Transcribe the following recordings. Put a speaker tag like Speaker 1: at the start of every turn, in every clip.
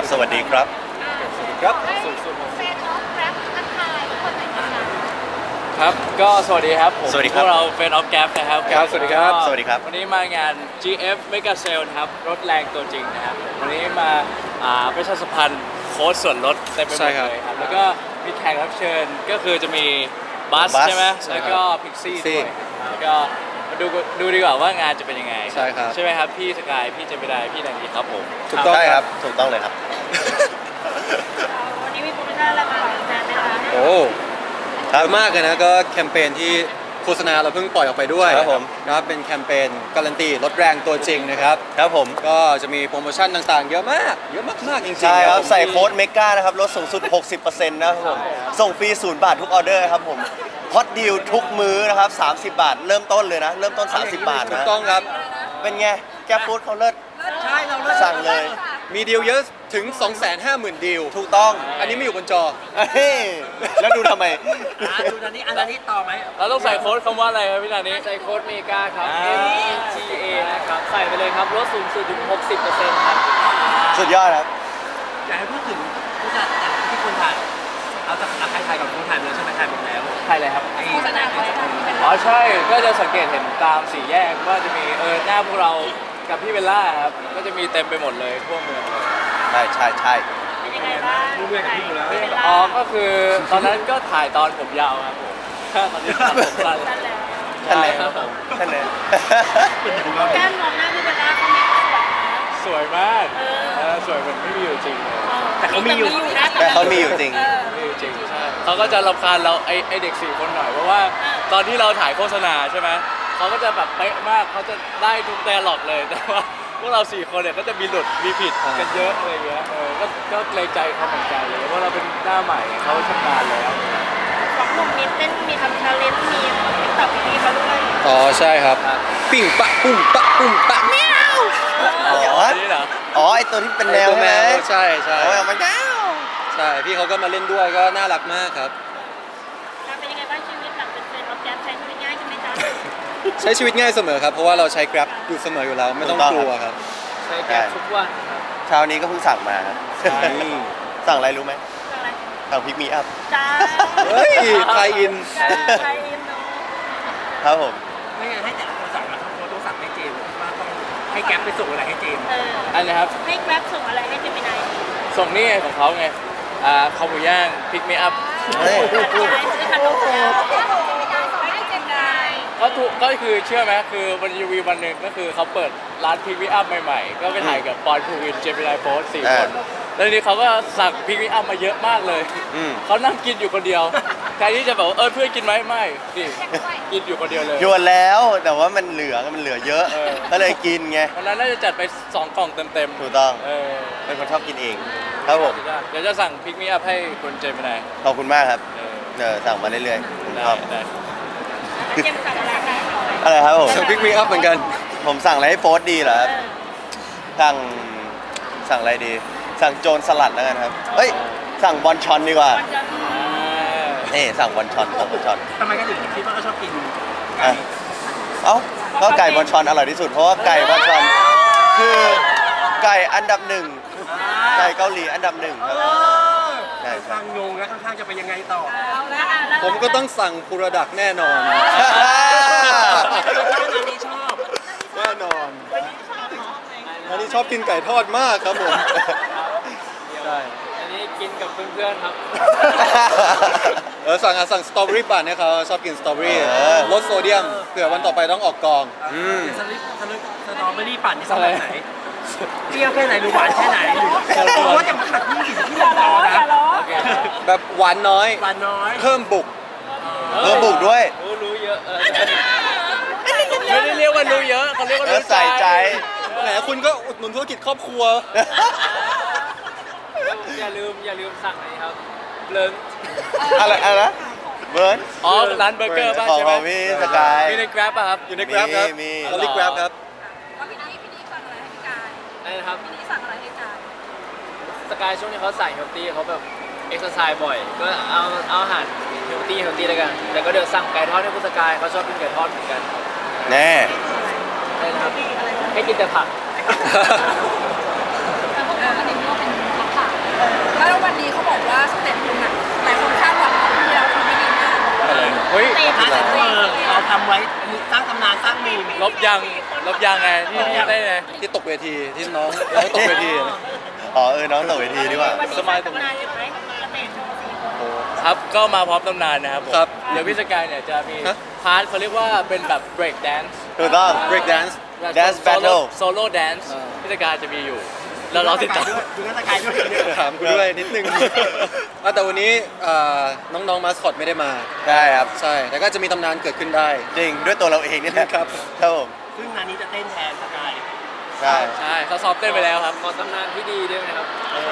Speaker 1: ครับสวัสดีครับ
Speaker 2: ครับ
Speaker 3: เฟนออฟแรปทักทายทุกคนหน่อยนะคะ
Speaker 2: ครับก็สวัสดีครับผม
Speaker 1: สวัสดีค
Speaker 2: พ
Speaker 1: รับ
Speaker 2: วกเราเฟนออฟแกรนะครับ
Speaker 1: ครับสวัสดีครับสวัสดีครับ
Speaker 2: วันนี้มางาน GF Mega Sale นะครับรถแรงตัวจริงนะครับวันนี้มาประชาสัมพันธ์โค้ดส่วนลดเต็มไปหม
Speaker 1: ใช่
Speaker 2: ด
Speaker 1: ครับ
Speaker 2: เลยครับแล้วก็มีแขกรับเชิญก็คือจะมีบัส
Speaker 1: บัส
Speaker 2: ใช่ไหม
Speaker 1: ใช่ครับ
Speaker 2: แล้วก็พิกซี่
Speaker 1: ซี่
Speaker 2: ด้วยแล้วก็มาดูดีกว่าว่างานจะเป็นยังไง
Speaker 1: ใช่ครับ
Speaker 2: ใช่ไหมครับพี่สกายพี่เจมินายพี่แดงดีครับผม
Speaker 1: ถูกต้องครับถูกต้องเลยครับ
Speaker 3: วันนี้มีโปรโมชั่นอะไรมาฝากแฟนไหมคะ
Speaker 4: โอ้เยอะมากเลยนะก็แคมเปญที่โฆษณาเราเพิ่งปล่อยออกไปด้วย
Speaker 1: ครับผม
Speaker 4: นะครับเป็นแคมเปญการันตีรถแรงตัวจริงนะครับ
Speaker 1: ครับผม
Speaker 4: ก็จะมีโปรโมชั่นต่างๆ เยอะมากจริงๆ
Speaker 1: ใช่ครับ
Speaker 4: ผม
Speaker 1: ใส่โค้ดเมกานะครับลดสูงสุด 60%นะครับผมส่งฟรี0 บาททุกออเดอร์ครับผมฮอตดีลทุกมื้อนะครับ30 บาท เริ่มต้นเลยนะ เริ่มต้น 30 บาท
Speaker 4: ถูก
Speaker 1: นะ
Speaker 4: ต้องครับ
Speaker 1: เป็นไงแกฟู้ดเขาเลิศ
Speaker 3: ใช่เราเลิศ
Speaker 1: สั่งเลย
Speaker 4: มีดีลเยอะถึง 250,000 ดีล
Speaker 1: ถูกต้อง
Speaker 4: อันนี้ไม่อยู่บนจอ
Speaker 1: เฮ้ยแล้วดูทำไม
Speaker 5: ดูนันนี้อันนี้ต่อไหม
Speaker 2: เราต้องใส่โค้ดคำว่าอะไรครับพี่นานี้
Speaker 5: ใส่โค้ดเมกาครับ
Speaker 2: MGA นะครับใส่ไปเลยครับลดสูงสุดถึง 60%ครับ
Speaker 1: สุดยอดครับ
Speaker 5: อยากให้พูดถึงผู้จัดที่คุณถ่ายเอาจากใครถ่ายกับคุณถ่ายไปแล้วใช่ไหมถ่ายหมดแล้ว
Speaker 2: ใช่เลยครับ
Speaker 3: โฆษณาอะไรคะที่เป็น
Speaker 2: อ๋อใช่ ก็จะสังเกตเห็นตามสี่แยกว่าจะมีหน้าพวกเรากับพี่เบลล่าครับ ก็จะมีเต็มไปหมดเลยทั่วเมืองเลย
Speaker 1: ใช่ใช่ใช่
Speaker 3: เป็นยังไงบ้างรู้เรื่องกับพี่อยู่แล้ว
Speaker 2: อ๋อ ก็คือตอนนั้นก็ถ่ายตอนผมยาวครับผมตอนนี้ตัดผมสั้น
Speaker 3: นั่นแหละ
Speaker 1: ท่านเลย
Speaker 2: ครับผม
Speaker 1: ท่านเลย
Speaker 3: แก้มมองหน้าพี่เบลล่าเขาไม่สวยนะ
Speaker 2: สวยมากสวยเหมือนไม่มีอยู่จริงเลย
Speaker 3: แต่เขามีอยู่นะ
Speaker 1: แต่เขามีอยู่จริง
Speaker 2: ไม่มีอยู่จริงใช่เขาก็จะรำคาญเราไอเด็ก4 คนหน่อยเพราะว่าตอนที่เราถ่ายโฆษณาใช่ไหมเขาก็จะแบบเป๊ะมากเขาจะได้ทุกแดร์ล็อกเลยแต่ว่าพวกเรา4 คนเนี่ยก็จะมีหลุดมีผิดกันเยอะอะไรเงี้ยก็เกรงใจเขาเหมือนกันเลยเพราะเราเป็นหน้าใหม่เขาชำนาญแล้ว
Speaker 3: ของหนุ่มมีเต้นมีทำชาเลนจ์มีติ๊กต็อกมีเขาด้วย
Speaker 4: อ๋อใช่ครับ ปิ้งปะปุ้มปะปุ้มปะแมว
Speaker 1: อ๋อ
Speaker 2: นี่เหรอ
Speaker 1: อ๋อไอตัวที่เป็นแมว
Speaker 4: ตัว
Speaker 1: ใช่
Speaker 4: แม
Speaker 1: ไหม
Speaker 4: วใช่ใช่
Speaker 1: โอ้ยมันแมว
Speaker 4: ใช่พี่เขาก็มาเล่นด้วยก็น่ารักมากครับ
Speaker 3: การเป็นยังไงบ้างชีวิตหลังเป็นเฟนออฟแกรปใช้ชีวิตง่ายขึ้นไหมจ๊ะ
Speaker 4: ใช้ชีวิตง่ายเสมอครับเพราะว่าเราใช้ Grab อยู่เสมออยู่แล้วไม่ต้องกลัวครับ
Speaker 2: ใช้แก๊สทุกวันครับ
Speaker 1: เช้านี้ก็เพิ่งสั่งมาครับ สั่งอะไรรู้ไหม
Speaker 3: อะไร
Speaker 1: สั่งพิกมีอัพ
Speaker 3: จ้า
Speaker 4: เฮ้ยไทยอิน
Speaker 3: ไทยอินเนาะ
Speaker 1: ครับผม
Speaker 5: ไม่งั้นให้แต่ละคนสั่งมาทั้งโค้ดต้องสั่งให้เจมส์ว่าต้องให้แก๊ปไปส่งอะไรให้เจมส์
Speaker 2: อันนี้ครับ
Speaker 3: ให้แกร็บส่งอะไรให้เจมินาย
Speaker 2: ส่งนี่ไงของเขาไงคอหมูย่างพิกเมอัพ
Speaker 1: เฮ้ย
Speaker 3: ซื้อขนมแล้วเจมินายส่งให้เจมินาย
Speaker 2: ก็คือเชื่อไหมคือวันยูวีวันหนึ่งก็คือเขาเปิดร้านพิกเมอัพใหม่ๆ ก็ไปถ่ายกับปอนภูวินเจมินายโพส4 คนแล้วทีนี้เขาก็สั่งพิกเมอัพมาเยอะมากเลย
Speaker 1: อืม
Speaker 2: เขานั่งกินอยู่คนเดียวแทนที่จะแบบว่าเพื่อนกินไหมไม่นี่กินอยู่คนเดียวเลย
Speaker 1: ยวนแล้วแต่ว่ามันเหลือเยอะ ก็เลยกินไง
Speaker 2: วันนั้นน่าจะจัดไป2 กล่องเต็ม
Speaker 1: ถูกต้อง
Speaker 2: ๆ
Speaker 1: เป็นคนชอบกินเอง ครับผม
Speaker 2: เดี๋ยวจะสั่งพิกเมอัพให้คุณเจมินาย
Speaker 1: ขอบคุณมากครับ
Speaker 2: เออ
Speaker 1: สั่งมาเรื่อยๆผม
Speaker 2: ได้
Speaker 1: ชอบ
Speaker 2: ได้
Speaker 3: เจมสั่งอะไรให้หน่อย
Speaker 1: อะไรครับผม
Speaker 4: สั่งพิกมีอัพเหมือนกัน
Speaker 1: ผมสั่งอะไรให้โฟสดีเหรอครับสั่งอะไรดี สั่งโจรสลัดแล้วกันครับเอ้ยสั่งบอลชอนดีกว่า
Speaker 3: มันจะ
Speaker 1: นี่สั่งบอลชอน
Speaker 5: ทำไมก็ถึงคิดว่าเขาชอบกิน
Speaker 1: อ่ะเอ้าก็ไก่บอลชอนอร่อยที่สุดเพราะว่าไก่บอลชอนคือไก่อันดับหนึ่งไก่เกาหลีอันดับหนึ่งครับใช่ครั
Speaker 5: ข้า
Speaker 1: บ
Speaker 5: งงงแล้วข้างๆจะไปยังไงต่อ
Speaker 3: เอาละแล้ว
Speaker 4: ผมก็ต้องสั่งพูรดักแน่นอน
Speaker 5: อันนี้ชอบ
Speaker 4: แน่นอนอันนี้ชอบกินไก่ทอดมากครับผมใช่
Speaker 2: อันนี้กินกับเพื่อนๆครับ
Speaker 4: สั่งสตรอเบอรี่ปั่นให้เขาชอบกินสตรอเบอรี่ลดโซเดียมเผื่อวันต่อไปต้องออกกอง
Speaker 5: สตรอเบอรี่ปั่นนี่ชอบแบบไหนเปรี้ยวแค่ไหนหรือหวานแค่ไหนหรือว่าจะมาขัดที่สิ่งที่
Speaker 3: อย่า
Speaker 5: เรา
Speaker 3: ล้อ
Speaker 5: นะ
Speaker 3: อย่าล้อ
Speaker 2: โอเค
Speaker 4: แบบหวานน้อย
Speaker 5: หวานน้อย
Speaker 4: เพิ่มบุก
Speaker 1: บุกด้วย
Speaker 2: รู้เยอะไม่ได้เรียกว่ารู้เยอะเขาเรียกว่ารู้
Speaker 1: ใส่ใจ
Speaker 4: แหมคุณก็อุดหนุนธุรกิจครอบครัว
Speaker 2: อย่าลืมสั่งอะไรครับเลิง
Speaker 1: อะไรนะเบิร์น
Speaker 2: อ๋อร้านเบอร์เกอร์ป่ะ
Speaker 1: ของ
Speaker 2: ใช่ไหม
Speaker 1: พี่สกาย
Speaker 2: มีใน Grab ป่ะครับ
Speaker 4: อยู่ใน Grab ครับ
Speaker 1: มี
Speaker 4: เราเรียก Grab ครับ
Speaker 3: ว่าพี่นี่สั่งอะไรให้พี่กาย
Speaker 2: อะไรนะครับ
Speaker 3: พี่นี่สั่งอะไรให้กาย
Speaker 2: สกายช่วงนี้เขาใส่เฮลตี้เขาแบบเอ็กซ์ไซส์บ่อย ก็เอาอาหารเฮลตี้แล้วกันแต่ก็เดี๋ยวสั่งไก่ทอดให้คุณสกายเขาชอบกินไก่ทอดเหมือนกัน
Speaker 1: แน่
Speaker 2: ได้นะครับให้กินแต่ผัก
Speaker 3: แต่พวกเราก็เห็นว่าเป็นท็อปแล้ววันนี้เขาบอกว่าสเต็ปคุณอ่ะหลายคนคาดหวังว่าที่เราทำไม่ดีมาก
Speaker 2: เฮ้ย
Speaker 3: เตะ
Speaker 5: ถ้า
Speaker 3: เตะ
Speaker 5: เซ็นเตอร์เราทำไว้สร้างตำนานสร้างมีม
Speaker 2: ลบยังไงที่ได้ไง
Speaker 4: ที่ตกเวทีที่น้องตกเวที
Speaker 1: อ๋อน้องตกเวทีดีกว่า
Speaker 3: วันนี้
Speaker 2: สบายตรง
Speaker 3: ทำงานใช่ไหมสเตะโชว์4 คน
Speaker 2: ครับก็มาพร้อมตำนานนะครับผม
Speaker 4: ครับ
Speaker 2: เดี๋ยวพี่สกายเนี่ยจะมีพาร์ทเขาเรียกว่าเป็นแบบ break dance
Speaker 1: ถูกต้อง
Speaker 4: break dance
Speaker 1: Dance battle
Speaker 2: solo dance พี่สกายจะมีอยู่ แล้วเราติดตาม
Speaker 5: ดูนักสกายด้วย
Speaker 4: ถามกูด้วยนิดนึง แต่วันนี้น้องๆมาสคอตไม่ได้มา
Speaker 1: ได้ครับ
Speaker 4: ใช่ แต่ก็จะมีตำนานเกิดขึ้นได้
Speaker 1: จริงด้วยตัวเราเองนี่แหละ
Speaker 4: ครับ
Speaker 1: ครับผม
Speaker 5: ซึ่งงานนี้จะเต้นแทนสกาย
Speaker 1: ใช่
Speaker 2: ใช่เขาซ้อมเต้นไปแล้วครับขอตำนานที่ดีด้วยนะครับ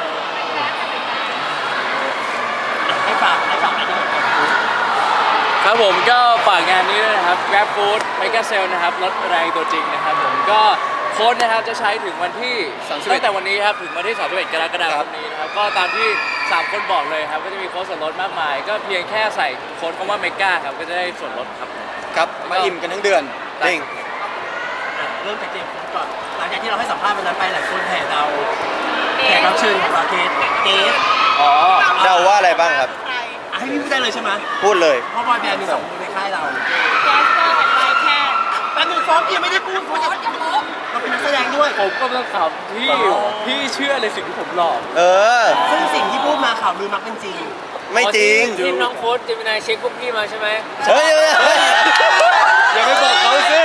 Speaker 5: ให้ฝากอะไรที่เห็นกัน
Speaker 2: ครับผมก็ฝากงานนี้ด้วยนะครับ Grab Food Mega Sale นะครับลดแรงตัวจริงนะครับผมก็โค้ดนะครับจะใช้ถึงวันที่ตั้งแต่วันนี้ครับถึงวันที่31กรกฎาคมนี้นะครับก็ตามที่3คนบอกเลยครับก็จะมีโค้ดส่วนลดมากมาย ก็เพียงแค่ใส่โค้ดคำว่า Mega ครับก็จะได้ส่วนลดครับ
Speaker 4: ครับ มาอิ่มกันทั้งเดือน
Speaker 1: จริง
Speaker 5: เริ่มจากเจมส์ก่อนหลังจากที่เราให้สัมภาษณ์วันนั้นไปหลายคนแห่เราแขกรับเชิญของเราเกส
Speaker 2: อ๋อ
Speaker 1: เดาว่าอะไรบ้างครับ
Speaker 5: ให้พี่พูดได้เลยใช่ไหม
Speaker 1: พูดเลย
Speaker 5: เพราะบอยแบนด์มี2 คนในค่ายเรา
Speaker 3: แจ๊สเปอร์กับไลแค่
Speaker 5: แป๊บนึงฟอกยังไม่ได้พูดฟอกยังเราเป็นนักแสดงด้วย
Speaker 2: ผมก็ต้องถามพี่เชื่อในสิ่งที่ผมหลอก
Speaker 1: เออ
Speaker 5: ซึ่งสิ่งที่พูดมาข่าวลือมักเป็นจริง
Speaker 1: ไม่จริง
Speaker 2: ทีมน้องโค้ดเจมินายเช็คพวกพี่มาใช่ไหม
Speaker 1: เฮ้ย
Speaker 4: อย่าไปบอกเขาสิ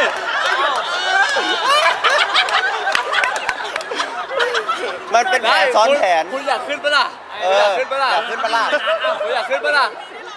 Speaker 1: มันเป็นแผนซ้อนแผน
Speaker 2: คุณอยากขึ้นปะล่ะ
Speaker 1: เออ
Speaker 2: อยากขึ้นปะล่ะ
Speaker 1: อยากขึ้นปะล่ะ
Speaker 2: คุณอยากขึ้นปะล่ะ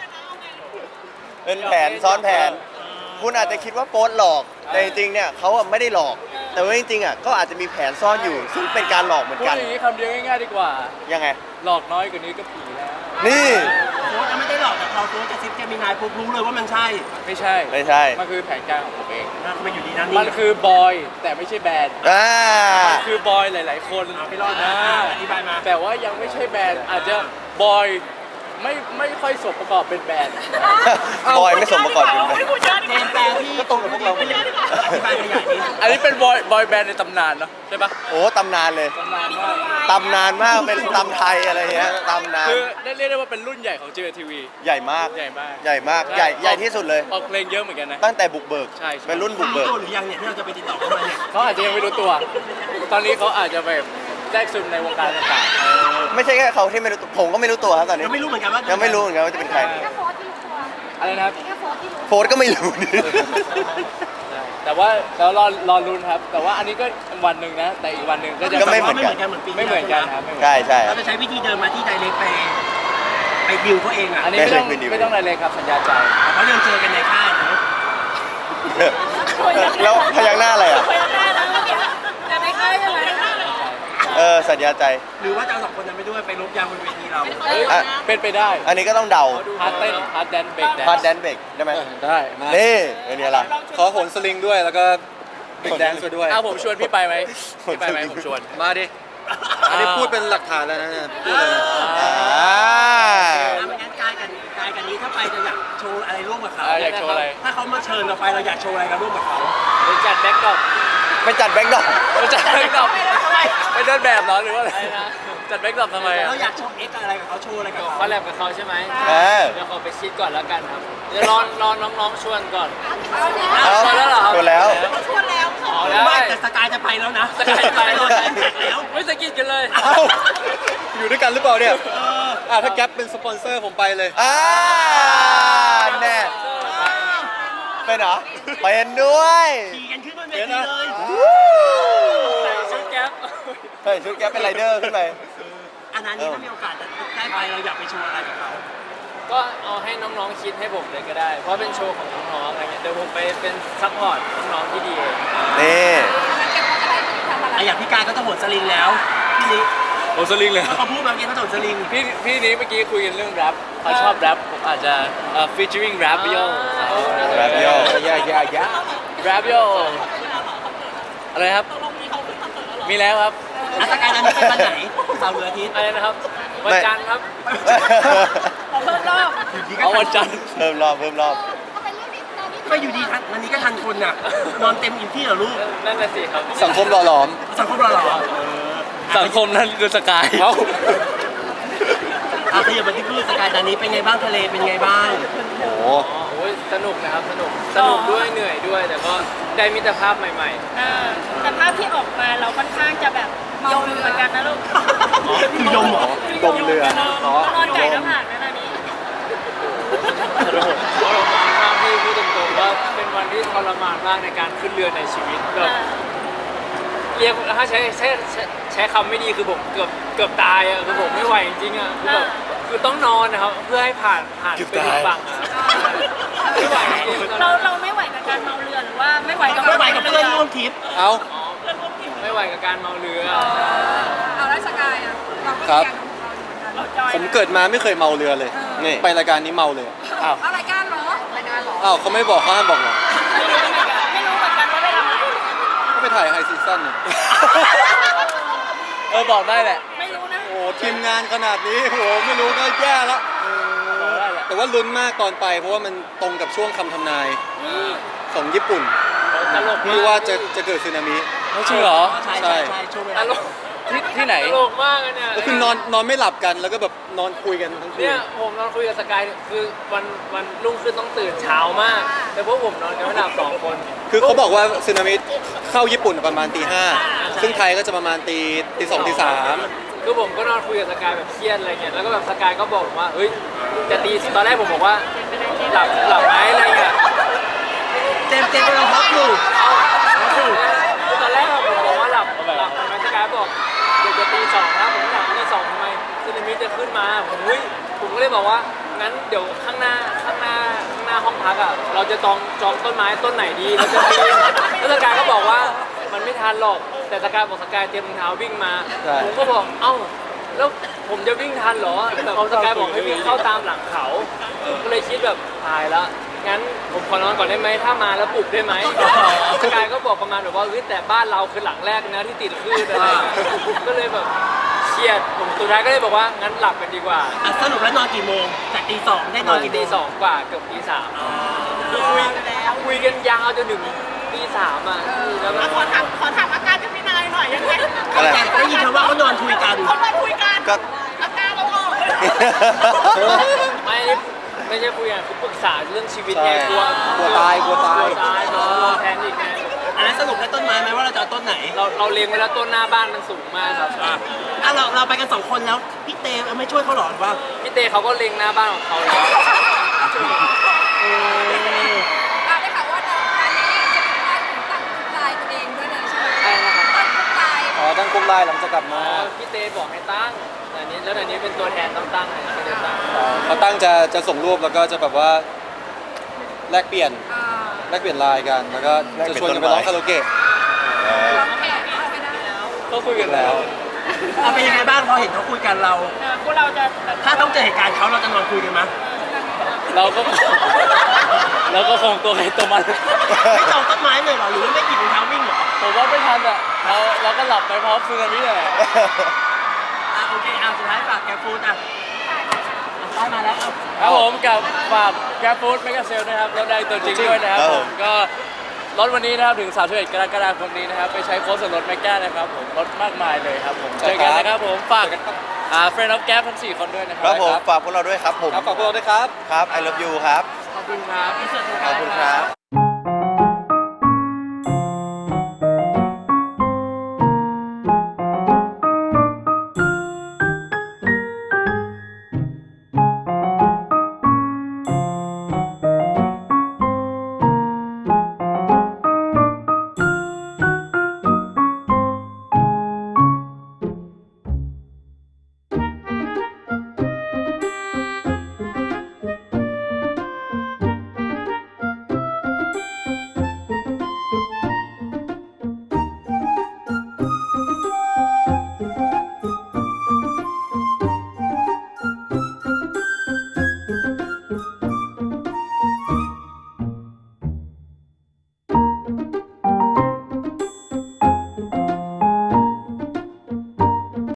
Speaker 1: เป็นแผนซ้อนแผน คุณอาจจะคิดว่าโป๊ตหลอก แต่จริงๆเนี่ยเขาอะไม่ได้หลอก แต่ว่าจริงๆอ่ะก็อาจจะมีแผนซ่อนอยู่ ซึ่งเป็นการหลอกเหมือน
Speaker 2: พูด
Speaker 1: กัน
Speaker 2: อย่างนี้คำเดียวง่ายๆดีกว่า
Speaker 1: ยังไง
Speaker 2: หลอกน้อยกว่านี้ก็ผีแล้ว
Speaker 1: นี่
Speaker 5: โค้ชไม่ได้หลอกแต่พอโค้ชจะซิปเจมินายปุ๊บรู้เลยว่ามันใช่
Speaker 2: ไม่ใช่
Speaker 1: ไม่ใช่
Speaker 2: มันคือแผนการของผมเอง
Speaker 5: ทำไมอยู่ดีนั่น
Speaker 2: มั
Speaker 5: นี่
Speaker 2: นคือบอยแต่ไม่ใช่แบนด์
Speaker 1: อ่า
Speaker 2: มันคือบอยหลาย ๆ คน
Speaker 5: ไปรอดนะอธิบายมา
Speaker 2: แต่ว่ายังไม่ใช่แบนด์อาจจะบอยไม่ค่อยสมประกอบเป็นแบนด์
Speaker 1: บอยไม่สมประกอบเป็นแบบ
Speaker 5: เจมส์แปลที่ก็ตรงกับพวกเราอธิบายขยายนี้
Speaker 2: อันนี้เป็นบอยแบนด์ในตำนานเนาะใช่ปะ
Speaker 1: โอ้ตำนานเลย
Speaker 2: ตำนานมาก
Speaker 1: ตำนานมาก เป็นตำไทยอะไรเงี้ย ตำนาน
Speaker 2: คือได้เรียกได้ว่าเป็นรุ่นใหญ่ของ JTV
Speaker 1: ใหญ่มาก
Speaker 2: ใหญ่มาก
Speaker 1: ใหญ่มาก ใหญ่ที่สุดเลย
Speaker 2: ออกเพลงเยอะเหมือนกันนะ
Speaker 1: ตั้งแต่บุกเบิก
Speaker 2: ใช่
Speaker 1: เป็นรุ่นบุก
Speaker 5: รู้
Speaker 1: เบิก
Speaker 5: ตัวหรือยังเนี่ยที่เราจะไปติดต่อเข้ามาเนี่ย
Speaker 2: เขาอาจจะยังไม่รู้ตัว ตอนนี้เขาอาจจะแบบแทรกซึมในวงการต่าง
Speaker 1: ไม่ใช่แค่เขาที่ไม่รู้ตัวผมก็ไม่รู้ตัวครับตอนนี้
Speaker 5: ยังไม่รู้เหมือนกันว่า
Speaker 1: ยังไม่รู้เหมือนกันว่าจะเป็นใคร
Speaker 3: แค่โฟร์ที่ตัว
Speaker 2: ๆอะไรนะครับ
Speaker 3: แค่โฟร์ที่รู้
Speaker 1: โฟร์ก็ไม่รู้
Speaker 2: แต่ว่าแล้วรอลุ้นครับ แต่ว่าอันนี้ก็วันหนึ่งนะ แต่อีกวันหนึ่งก็จะ
Speaker 1: ก็ไม่เหมือนกัน
Speaker 5: เหมือนปี
Speaker 2: ไม่เหมือนกันครับไม่เหมือนกัน
Speaker 1: ใช่ใช่
Speaker 5: เราจะใช้วิธีเดินมาที่ไดเรกไปดิวเขาเองอ่ะ
Speaker 2: อันนี้ไม่ต้องอะไรเลยครับสัญญาใจ
Speaker 5: เขาเดินเจอกันในค่ายนะ
Speaker 1: แล้วพยักหน้าอะไรอ่ะ
Speaker 3: ไปได้แล้วเมื่อกี้จะได้ค่ายใช่ไหม
Speaker 1: สัญญาใจ
Speaker 5: หรือว่าจะเอา2 คนนั้นไปด้วยไปลบยางบนเวทีเรา
Speaker 1: อ่ะ
Speaker 2: เป็นไปได้
Speaker 1: อันนี้ก็ต้องเดา
Speaker 2: พาร์ทเต้นพาร์ทแดนเบรกแดน
Speaker 1: พาร์ทแดนเบรกได้ไหม
Speaker 4: ได้มา
Speaker 1: นี่เป็นไงล่ะ
Speaker 4: ขอโหนสลิงด้วยแล้วก็บิ๊กแดนซ์ด้วย
Speaker 2: ผมชวนพี่ไปไหมพี่ไปไหมผมชวน
Speaker 4: มาดิ อันนี้พูดเป็นหลักฐานแล้วนะเนี่ยพูดเลยนะ
Speaker 1: อ่า
Speaker 5: ไม่งั้นกายกันนี้ถ้าไปจะอยากโชว์อะไรร่วมกับเขา
Speaker 2: อยากโชว์อะไร
Speaker 5: ถ้าเขามาเชิญเราไปเราอยากโชว์อะไรกันร่วมกับเขา
Speaker 2: ไปจัดแบ็กดรอป
Speaker 1: ไปจัดแบ็กดรอป
Speaker 2: ไปจัดแบ็กดรอปไปเดินแบบเหรอหรือว่าอะไรนะจัดแบ็กดรอปทำไมอ่ะ
Speaker 5: เราอยากโชว์เอ็กอะไรกับเขาโชว์อะไรกับเขา
Speaker 2: คอลแลบกับเขาใช่ไหม
Speaker 1: เออ
Speaker 2: เดี๋ยวขอไปคิดก่อนแล้วกันครับเดี๋ยวรอน้องๆชวนก่อน
Speaker 1: เอา
Speaker 2: ชวนแล้วเหรอครับ
Speaker 1: ชวนแล้ว
Speaker 3: ชวนแล้ว
Speaker 2: อ๋อแล้ว
Speaker 5: ไม่แต่สกายจะไปแล้วนะ
Speaker 2: สกายไป
Speaker 5: โดนแท็กแล้ว
Speaker 2: ไม่สกิดกันเลย
Speaker 4: เอ้าอยู่ด้วยกันหรือเปล่าเนี่ยถ้าแก๊ปเป็นสปอนเซอร์ผมไปเลย
Speaker 1: อ่าแน่เป็นเหรอเป็นด้วย
Speaker 5: ขี่กันขึ้นบนเวทีเลย
Speaker 2: ใส่ชุดแก๊ป
Speaker 1: เฮ้ยชุดแกปเป็นไรเดอร์ขึ้นไป
Speaker 5: อันนั้นนี่ถ้ามีโอกาสได้ไปเราอยากไปโชว์อะไรกับเขา
Speaker 2: ก็เอาให้น้องๆคิดให้ผมเลยก็ได้ เพราะเป็นโชว์ของน้องๆอะไรเงี้ยเดี๋ยวผมไปเป็นซัพพอร์ตน้องๆที่ดีเอง
Speaker 1: นี่
Speaker 5: อย่างพี่กายก็จะโหดสลิงแล้วพี่นี้
Speaker 2: โอสลิงเลย
Speaker 5: เขาพูดมาเมื่อกี้เขาโหดสลิง
Speaker 2: พี่นี้เมื่อกี้คุยกันเรื่องแรปเขาชอบแรปผมอาจจะfeaturing rap yo
Speaker 1: แรปโย
Speaker 2: rap yo อะไรครับ มีแล้วครับ
Speaker 5: อัตการนั้นเป็นวันไหนเสาร์หรืออาทิตย์
Speaker 2: อะไรนะครับ วันจันทร์ครับ
Speaker 3: เพิ่มรอบ
Speaker 2: เอาวันจันทร์
Speaker 1: เพิ่มรอบเพิ่มรอบ
Speaker 5: ก็อยู่ดีทันวันนี้ก็ทันคนน่ะนอนเต็มอิ่มที่เหรอลูก
Speaker 2: นั่นน่ะสิครับ
Speaker 4: สังคมหล่อหลอม
Speaker 5: สังคมเราเหรอ
Speaker 2: สังคมนั้นคือสกาย
Speaker 5: อขยับมาที่พูดสกายตอนนี้เป็นไงบ้างทะเลเป็นไงบ้าง
Speaker 4: โอ้โห
Speaker 2: โอ้ยสนุกนะครับสนุกด้วยเหนื่อยด้วย แต่ก็ได้มิตรภาพใหม่
Speaker 3: แต่ภาพที่ออกมาเราค่อนข้างจะแบบเมาเหมือนกันนะลูก
Speaker 5: มีลมเหรอ
Speaker 4: ดมเรือ
Speaker 3: นอนไก่น้ำผักนะตอนนี้
Speaker 2: ๆเพราะเรามองภาพที่พูดตรงๆว่าเป็นวันที่ทรมานมากในการขึ้นเรือในชีวิตแบบเรียกถ้าใช้คำไม่ดีคือผมเกือบตายอ่ะคือผมไม่ไหวจริงๆอ่ะคือแบบคือต้องนอนนะครับเพื่อให้ผ่านไปถึงฝั่งอะไม่ไหวจริงๆ
Speaker 3: เราไม่ไหวกับการเมาเรือหรือว่าไม่ไหวกับ
Speaker 5: ไม่ไหวกับเพื่อนร่วมทริป
Speaker 4: เอา
Speaker 2: ไม่ไหวกับการเมาเรือ
Speaker 3: เอาแล้วสกายอ่ะเราก็
Speaker 4: ครับ
Speaker 3: เราจอย
Speaker 4: ผมเกิดมาไม่เคยเมาเรือเลยนี่ไปรายการนี้เมาเลย
Speaker 2: อ้าว
Speaker 3: เอารายการเหรอรายการเหรอ
Speaker 4: อ้าวเขาไม่บอกเขาห้ามบอกหรอ
Speaker 3: ไม่รู้เหมือนกันว่าไปทำอะไร
Speaker 4: ก็ไปถ่ายไฮซีซั่นเนี่ย
Speaker 2: บอกได้แหละ
Speaker 3: ไม่รู้นะ
Speaker 4: โอ้ทีมงานขนาดนี้โอ้ไม่รู้ก็แย่แล้ว
Speaker 2: บอกได้แหละ
Speaker 4: แต่ว่าลุ้นมากตอนไป เพราะว่ามันตรงกับช่วงคำทำนายของญี่ปุ่น
Speaker 2: ตลก
Speaker 4: ที่ว่าจะเกิดสึนามิ
Speaker 2: ไม่จริงเหรอ
Speaker 5: ใช่ช่วงเว
Speaker 2: ต
Speaker 5: ลา
Speaker 2: ลกที่ไหนตลกมากอะเนี่ย
Speaker 4: ก็คือนอนไม่หลับกันแล้วก็แบบนอนคุยกันทั้งคื
Speaker 2: เนี่
Speaker 4: น
Speaker 2: ยผมนอนคุยกับสกายคือวันรุ่งขึ้นต้องตื่นเช้ามาก แต่พวกผมนอนกันไม่หลับ2 คน
Speaker 4: คือเขาบอกว่าสึนามิเข้าญี่ปุ่นประมาณตี 5ซึ่งไทยก็จะประมาณตี 2ตี 3
Speaker 2: คือผมก็นอนคุยกับสกายแบบเครียดอะไรเงี้ยแล้วก็แบบสกายก็บอกผมว่าเฮ้ยจะตีตอนแรกผมบอกว่าหลับไหมอะไรเงี้ย
Speaker 5: เจมส์กำลังพักอยู่
Speaker 2: คือตอนแรกผมบอกว่าหลับทำไมสกายบอกเดี๋ยวจะตี 2นะผมหลับตี 2ทำไมสึนามิจะขึ้นมาผมก็เลยบอกว่างั้นเดี๋ยวข้างหน้าห้องพักอ่ะเราจะจองต้นไม้ต้นไหนดีเราจะปีนแล้วสกายก็บอกว่ามันไม่ทันหรอกแต่สกายบอกสกายเตรียมรองเท้าวิ่งมาผมก็บอกเอ้าแล้วผมจะวิ่งทันเหรอแบบสกายบอกให้วิ่งเข้าตามหลังเขาก็เลยคิดแบบตายแล้วงั้นผมขอนอนก่อนได้ไหมถ้ามาแล้วปลุกได้ไหมสกายก็บอกประมาณแบบว่าเฮ้ยแต่บ้านเราคือหลังแรกนะที่ติดคลื่นอะไรก็เลยแบบเครียดผมสุดท้ายก็เลยบอกว่างั้นหลับกันดีกว่า
Speaker 5: สรุปแล้วนอนกี่โมงจากตี 2ได้นอนกี่โม
Speaker 2: ตี
Speaker 5: ง
Speaker 2: 2 กว่าเกือบตี 3คือคุยกันยาวจนถึงตี 3อ่ะแล้วก็
Speaker 3: ขอถามอาการจะพี่นายหน่อยยังไง
Speaker 1: อะไร
Speaker 5: แต่ได้ยินคำว่าเขานอนคุยกัน
Speaker 3: เขามาคุยกัน
Speaker 1: ก็
Speaker 3: อาการเราออก
Speaker 2: ไม่ใช่คุยกันคือปรึกษาเรื่องชีวิตไง
Speaker 4: ใช่
Speaker 2: กลัว
Speaker 4: กลัวตาย
Speaker 2: นอนแทนอีกไง
Speaker 5: อันนั้นสรุปได้ต้นไม้ไหมว่าเราจะเอาต้นไหน
Speaker 2: เราเลี้ยงไว้แล้วต้นหน้าบ้านมันสูงมากครับ
Speaker 5: เราไปกัน2 คนแล้วพี่เตไม่ช่วยเขาหรอหรือว่า
Speaker 2: พี่เต้เขาก็เลี้ยงหน้าบ้านของเขาแล้ว
Speaker 3: ได้ข่าวว่าน้องอันนี้จะมีการตั้งลายตัวเองด้วยเลยใช่ไหม
Speaker 2: ใช่นะครับ
Speaker 3: ตั้งลาย
Speaker 4: อ๋อตั้งกลุ่มไลน์หลังจากกลับมา
Speaker 2: พี่เต้บอกให้ตั้งแต่นี้แล้วแต่นี้เป็นตัวแทนต้องตั้งเลยไม่ได้ตั้ง
Speaker 4: เขาตั้งจะส่งรูปแล้วก็จะแบบว่าแลกเปลี่ยนไลน์กัน แล้วก็จะชวนกันไปร้องคาราโอเกะ
Speaker 3: แขกเข้าไปได้แล้ว
Speaker 2: ก็คุยกันแล้ว
Speaker 5: เอาเป็นยังไงบ้างพอเห็นเขาคุยกันเรา
Speaker 3: พวกเราจะแบบ
Speaker 5: ถ้าต้องเจอเหตุการณ์เขาเราจะนอนคุยกันไหม
Speaker 2: เราก็คงตัวใครตัวมัน
Speaker 5: ไม่จองต้นไม้เลยเหรอหรือว่าไม่หยิบรองเท้าวิ่งเหรอ
Speaker 2: ผมว่าไม่ทันอ่ะเราก็หลับไปพร้อมซึนามิเลย
Speaker 5: โอเคสุดท้ายฝากแกฟูดได้มาแล้ว
Speaker 2: ครับผมกับฝาก Grab Food Mega Sale นะครับรถได้ตัวจริงด้วยนะครับ
Speaker 1: ครับ
Speaker 2: ผ
Speaker 1: ผม
Speaker 2: มก็รถวันนี้นะครับถึง31 กรกฎาคมนี้นะครับไปใช้โค้ดส่วนลด Mega นะครับผมลดมากมายเลยครับผมเจอกันนะครับผมฝากFriend of Gap ทั้ง 4 คนด้วยนะค
Speaker 1: ค
Speaker 2: รั
Speaker 1: รับผมฝากพวกเราด้วยครับผม
Speaker 4: ครับฝากพวกเราด้วยครับ
Speaker 1: ครับ I love you ครับ
Speaker 2: ขอบคุณครับ
Speaker 1: ขอบคุณครับ